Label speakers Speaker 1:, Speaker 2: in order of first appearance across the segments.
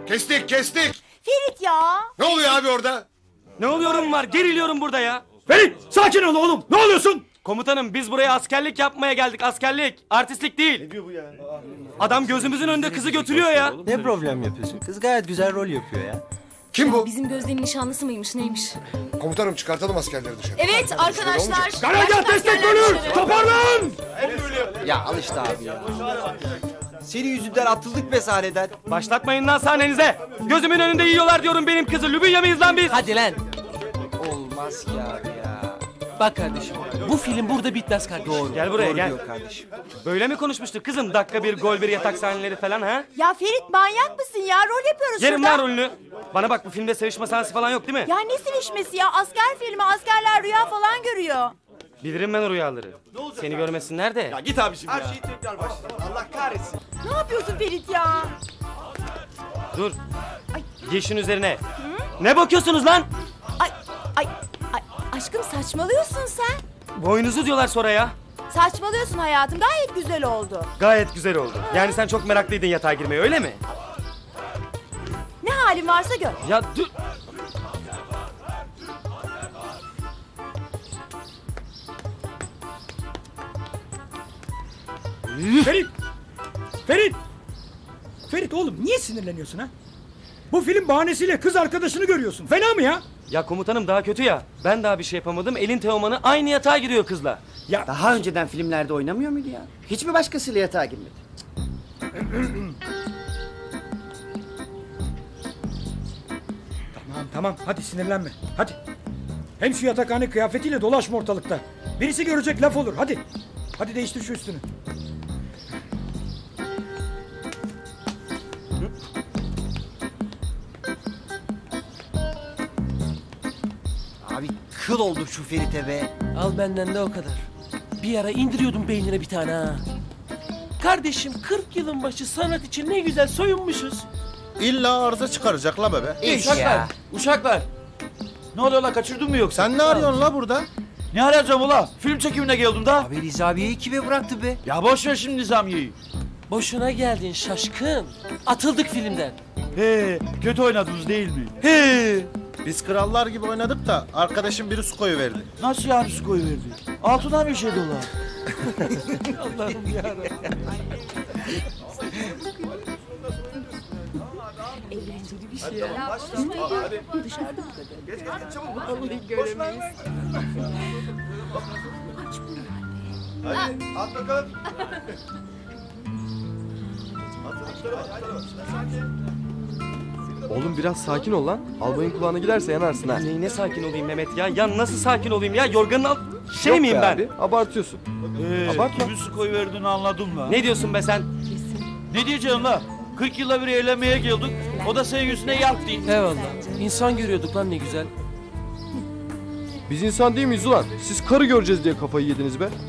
Speaker 1: Kestik.
Speaker 2: Ferit ya.
Speaker 1: Ne oluyor abi orada?
Speaker 3: Ne oluyorum var? Geriliyorum burada ya.
Speaker 4: Ferit sakin ol oğlum. Ne oluyorsun?
Speaker 3: Komutanım biz buraya askerlik yapmaya geldik. Askerlik. Artistlik değil. Ne diyor bu ya? Adam gözümüzün önünde kızı götürüyor ya.
Speaker 5: Ne problem yapıyorsun? Kız gayet güzel rol yapıyor ya.
Speaker 1: Kim bu?
Speaker 6: Bizim Gözde'nin nişanlısı mıymış neymiş?
Speaker 1: Komutanım çıkartalım askerleri dışarı.
Speaker 6: Evet arkadaşlar.
Speaker 4: Karargah destek bölür. Toparlan.
Speaker 5: Ya al işte abi ya. Senin yüzünden atıldık be sahneden.
Speaker 3: Başlatmayın lan sahnenize. Gözümün önünde yiyorlar diyorum benim kızı. Lübünya mıyız lan biz?
Speaker 7: Hadi lan.
Speaker 5: Olmaz ki abi ya.
Speaker 7: Bak kardeşim. Bu film burada bitmez kardeşim.
Speaker 5: Doğru.
Speaker 3: Gel buraya,
Speaker 5: doğru
Speaker 3: gel.
Speaker 5: diyor kardeşim.
Speaker 3: Böyle mi konuşmuştuk kızım? Dakika bir, gol bir, yatak sahneleri falan ha?
Speaker 2: Ya Ferit manyak mısın ya? Rol yapıyoruz
Speaker 3: Yerim
Speaker 2: şurada.
Speaker 3: lan rolünü. Bana bak bu filmde sevişme sahnesi falan yok değil mi?
Speaker 2: Ya ne sevişmesi ya? Asker filmi, askerler rüya falan görüyor.
Speaker 3: Bilirim ben o rüyaları. Seni görmesinler de.
Speaker 5: Git abiciğim ya. Her şeyi tekrar başla. Allah kahretsin.
Speaker 2: Ne yapıyorsun Ferit ya?
Speaker 3: Dur. Giy şunun üzerine. Ne bakıyorsunuz lan?
Speaker 2: Ay, ay, aşkım saçmalıyorsun sen.
Speaker 3: Boynuzu diyorlar sonra ya.
Speaker 2: Saçmalıyorsun hayatım. Gayet güzel oldu.
Speaker 3: Gayet güzel oldu. Yani sen çok meraklıydın yatağa girmeye öyle mi?
Speaker 2: Ne halin varsa gör.
Speaker 3: Ya dur.
Speaker 4: Ferit. Ferit. Ferit oğlum niye sinirleniyorsun ha? Bu film bahanesiyle kız arkadaşını görüyorsun. Fena mı ya?
Speaker 3: Ya komutanım daha kötü ya. Ben daha bir şey yapamadım. Elin Teoman'ı aynı yatağa giriyor kızla.
Speaker 4: Ya
Speaker 8: Daha önceden filmlerde oynamıyor muydu ya? Hiç mi başkasıyla yatağa girmedi?
Speaker 4: tamam hadi sinirlenme. Hadi. Hem şu yatakhane kıyafetiyle dolaşma ortalıkta. Birisi görecek laf olur hadi. Hadi değiştir şu üstünü.
Speaker 5: Abi kıl oldu şu Ferit'e be.
Speaker 7: Al benden de o kadar. Bir ara indiriyordum beynine bir tane ha. Kardeşim 40 yılın başı sanat için ne güzel soyunmuşuz.
Speaker 9: İlla arıza çıkaracak la bebe.
Speaker 5: Ya.
Speaker 10: Uşaklar. Ne oluyor la kaçırdın mı yoksa?
Speaker 9: Sen ne arıyorsun la burada?
Speaker 10: Ne arayacağım ula? Film çekimine geldim da.
Speaker 5: Abi Rizabiye'yi kime bıraktı be?
Speaker 10: Ya boş ver şimdi Nizamiye'yi.
Speaker 7: Boşuna geldin şaşkın. Atıldık filmden.
Speaker 10: He, kötü oynadınız değil mi?
Speaker 7: He.
Speaker 9: Biz krallar gibi oynadık da arkadaşım biri su koyuverdi.
Speaker 10: Nasıl yani su koyuverdi? Altından bir şey dolar.
Speaker 7: Allah'ım yarabbim.
Speaker 2: Eğlenceli bir şey ya. Dışarıda mı kadar? Vallahi göremeyiz.
Speaker 9: At bakalım.
Speaker 11: Oğlum biraz sakin ol lan. Albayın kulağına giderse yanarsın ha.
Speaker 3: Neyine sakin olayım Mehmet ya? Ya nasıl sakin olayım ya? Yorganın alt... Şey
Speaker 11: Yok
Speaker 3: miyim
Speaker 11: be
Speaker 3: ben?
Speaker 11: Abi, abartıyorsun. Abartma.
Speaker 10: Kimin su koyuverdiğini anladım la.
Speaker 3: Ne diyorsun be sen?
Speaker 10: Ne diyeceğim la? 40 yılda bir eğlenmeye geldik. O da senin yüzüne yaktı.
Speaker 7: Eyvallah. İnsan görüyorduk lan ne güzel.
Speaker 11: Biz insan değil miyiz ulan? Siz karı göreceğiz diye kafayı yediniz be.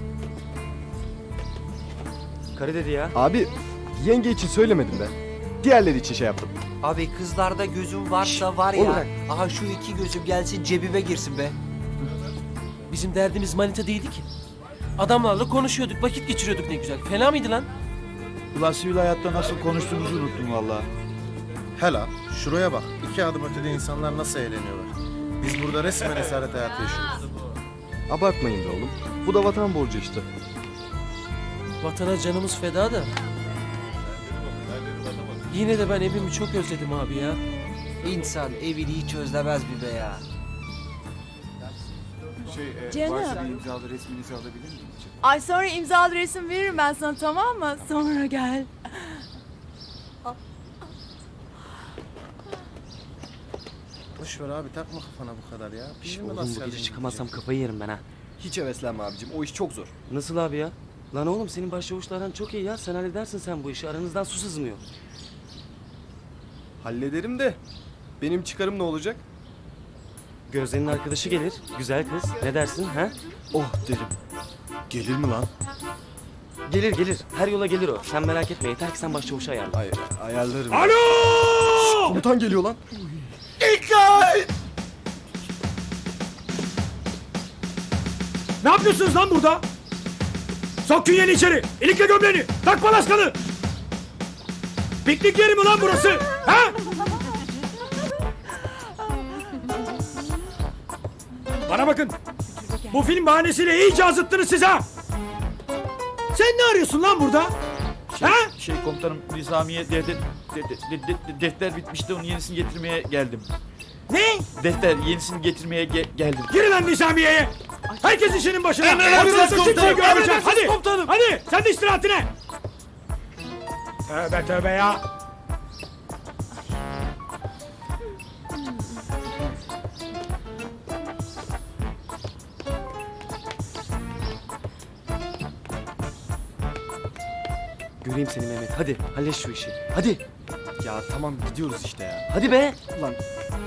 Speaker 3: Karı dedi ya.
Speaker 11: Abi yenge için söylemedim ben. Diğerleri için şey yaptım.
Speaker 5: Abi kızlarda gözüm varsa var
Speaker 11: oğlum
Speaker 5: ya.
Speaker 11: bırak.
Speaker 5: Aha şu iki gözüm gelsin cebime girsin be.
Speaker 7: Bizim derdimiz manita değildi ki. Adamlarla konuşuyorduk, vakit geçiriyorduk ne güzel. Fena mıydı lan?
Speaker 10: Ulan sivil hayatta nasıl konuştuğumuzu unuttum valla.
Speaker 9: Hela şuraya bak. 2 adım ötede insanlar nasıl eğleniyorlar. Biz burada resmen esaret hayatı yaşıyoruz.
Speaker 11: Abartmayın be oğlum. Bu da vatan borcu işte.
Speaker 7: Vatana canımız feda da. Yine de ben evimi çok özledim abi ya.
Speaker 5: İnsan evini hiç özlemez bir be ya.
Speaker 2: Canım. Ay sonra imzalı resim veririm ben sana tamam mı? Sonra gel.
Speaker 9: Boş ver abi takma kafana bu kadar ya. Bir şey mi
Speaker 3: Oğlum bu gece çıkamazsam kafayı yerim ben ha.
Speaker 11: Hiç heveslenme abicim. O iş çok zor.
Speaker 3: Nasıl abi ya? Lan oğlum senin başçavuşlardan çok iyi ya. Sen halledersin sen bu işi. Aranızdan su sızmıyor.
Speaker 11: Hallederim de. Benim çıkarım ne olacak?
Speaker 3: Gözde'nin arkadaşı gelir. Güzel kız. Ne dersin ha?
Speaker 11: Oh derim.
Speaker 9: Gelir mi lan?
Speaker 3: Gelir gelir. Her yola gelir o. Sen merak etme. Yeter ki sen başçavuşu ayarla.
Speaker 11: Hayır ayarlarım.
Speaker 4: Alo!
Speaker 11: Komutan geliyor lan.
Speaker 4: Ne yapıyorsunuz lan burada? Sok künyeni içeri. İlikle gömleğini. Tak palaskanı. Piknik yeri mi lan burası? Ha? Bana bakın. Bu film bahanesiyle iyice azıttınız siz ha. Sen ne arıyorsun lan burada? Ha?
Speaker 10: Şey komutanım Nizamiye defter bitmişti onun yenisini getirmeye geldim.
Speaker 4: Ne?
Speaker 10: Defter yenisini getirmeye geldim.
Speaker 4: Girin lan Nizamiye'ye. Herkes işinin başına.
Speaker 10: Emredersiniz
Speaker 4: Ortalıkta kimseyi
Speaker 10: komutanım,
Speaker 4: görmeyeceğim.
Speaker 10: emredersiniz
Speaker 4: Hadi.
Speaker 10: komutanım.
Speaker 4: Hadi sen de istirahatine. Tövbe tövbe ya.
Speaker 3: Göreyim seni Mehmet. Hadi halleş şu işi. Hadi.
Speaker 11: Ya tamam gidiyoruz işte ya.
Speaker 3: Hadi be.
Speaker 11: Ulan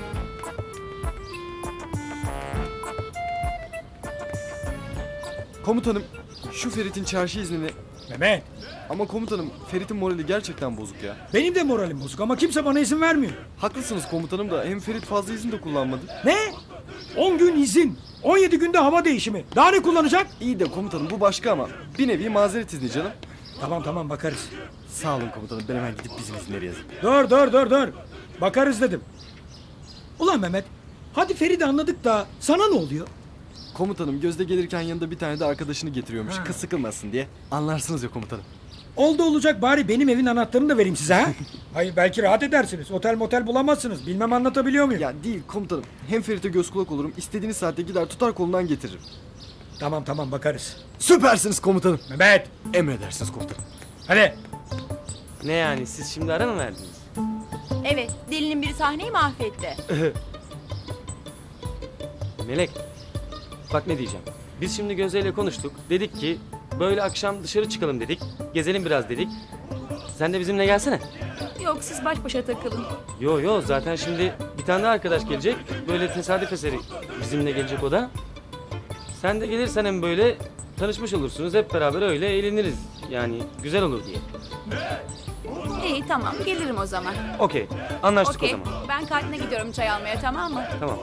Speaker 11: komutanım şu Ferit'in çarşı iznini...
Speaker 4: Mehmet.
Speaker 11: Ama komutanım Ferit'in morali gerçekten bozuk ya.
Speaker 4: Benim de moralim bozuk ama kimse bana izin vermiyor.
Speaker 11: Haklısınız komutanım da hem Ferit fazla izin de kullanmadı.
Speaker 4: Ne? 10 gün izin. 17 günde hava değişimi. Daha ne kullanacak?
Speaker 11: İyi de komutanım bu başka ama bir nevi mazeret izni canım.
Speaker 4: Tamam tamam bakarız.
Speaker 11: Sağ olun komutanım ben hemen gidip bizim izinleri yazayım.
Speaker 4: Dur. Bakarız dedim. Ulan Mehmet. Hadi Feride anladık da sana ne oluyor?
Speaker 11: Komutanım Gözde gelirken yanında bir tane de arkadaşını getiriyormuş. Kız sıkılmasın diye. Anlarsınız ya komutanım.
Speaker 4: Oldu olacak bari benim evin anahtarını da vereyim size ha. Hayır belki rahat edersiniz. Otel motel bulamazsınız. Bilmem anlatabiliyor muyum?
Speaker 11: Ya değil komutanım. Hem Ferit'e göz kulak olurum. İstediğiniz saatte gider tutar kolundan getiririm.
Speaker 4: Tamam bakarız.
Speaker 11: Süpersiniz komutanım.
Speaker 4: Mehmet.
Speaker 11: Emredersiniz komutanım.
Speaker 4: Hadi.
Speaker 3: Ne yani siz şimdi ara mı verdiniz?
Speaker 2: Evet, delinin biri sahneyi mahvetti.
Speaker 3: Melek. Bak ne diyeceğim. Biz şimdi Gözde ile konuştuk. Dedik ki böyle akşam dışarı çıkalım dedik. Gezelim biraz dedik. Sen de bizimle gelsene.
Speaker 2: Yok, siz baş başa takılın.
Speaker 3: Yo zaten şimdi bir tane daha arkadaş gelecek. Böyle tesadüf eseri bizimle gelecek o da. Sen de gelirsen hem böyle tanışmış olursunuz. Hep beraber öyle eğleniriz. Yani güzel olur diye.
Speaker 2: İyi, tamam. Gelirim o zaman.
Speaker 3: Okey. Anlaştık
Speaker 2: Okey,
Speaker 3: o zaman.
Speaker 2: ben kantine gidiyorum çay almaya, tamam mı?
Speaker 3: Tamam.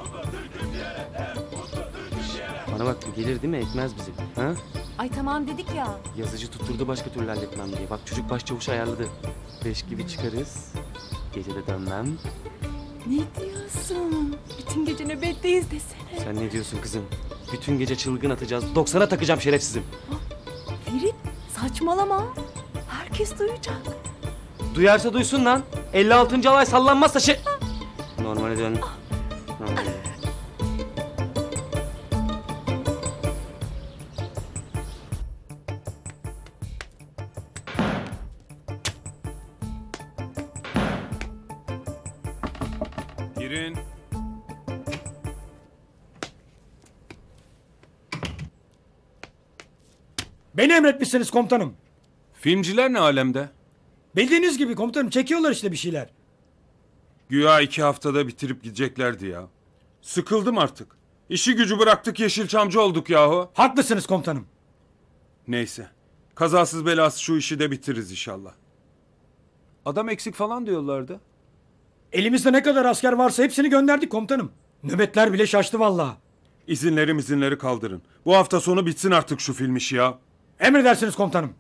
Speaker 3: Bana bak bu gelir değil mi? Ekmez bizi. Ha?
Speaker 2: Ay tamam dedik ya.
Speaker 3: Yazıcı tutturdu başka türlü halletmem diye. Bak çocuk başçavuşu ayarladı. 5 gibi çıkarız. Gece de dönmem.
Speaker 2: Ne diyorsun? Bütün gece nöbetteyiz desene.
Speaker 3: Sen ne diyorsun kızım? Bütün gece çılgın atacağız. 90'a takacağım şerefsizim.
Speaker 2: Ferit, saçmalama. Herkes duyacak.
Speaker 3: Duyarsa duysun lan. 56. alay sallanmazsa şey... Normale dön. Normale.
Speaker 12: Girin.
Speaker 4: Beni emretmişsiniz komutanım.
Speaker 12: Filmciler ne alemde?
Speaker 4: Bildiğiniz gibi komutanım çekiyorlar işte bir şeyler.
Speaker 12: Güya 2 haftada bitirip gideceklerdi ya. Sıkıldım artık. İşi gücü bıraktık Yeşilçamcı olduk yahu.
Speaker 4: Haklısınız komutanım.
Speaker 12: Neyse. Kazasız belasız şu işi de bitiririz inşallah. Adam eksik falan diyorlardı.
Speaker 4: Elimizde ne kadar asker varsa hepsini gönderdik komutanım. Nöbetler bile şaştı vallahi.
Speaker 12: İzinleri kaldırın. Bu hafta sonu bitsin artık şu film işi ya.
Speaker 4: Emredersiniz komutanım.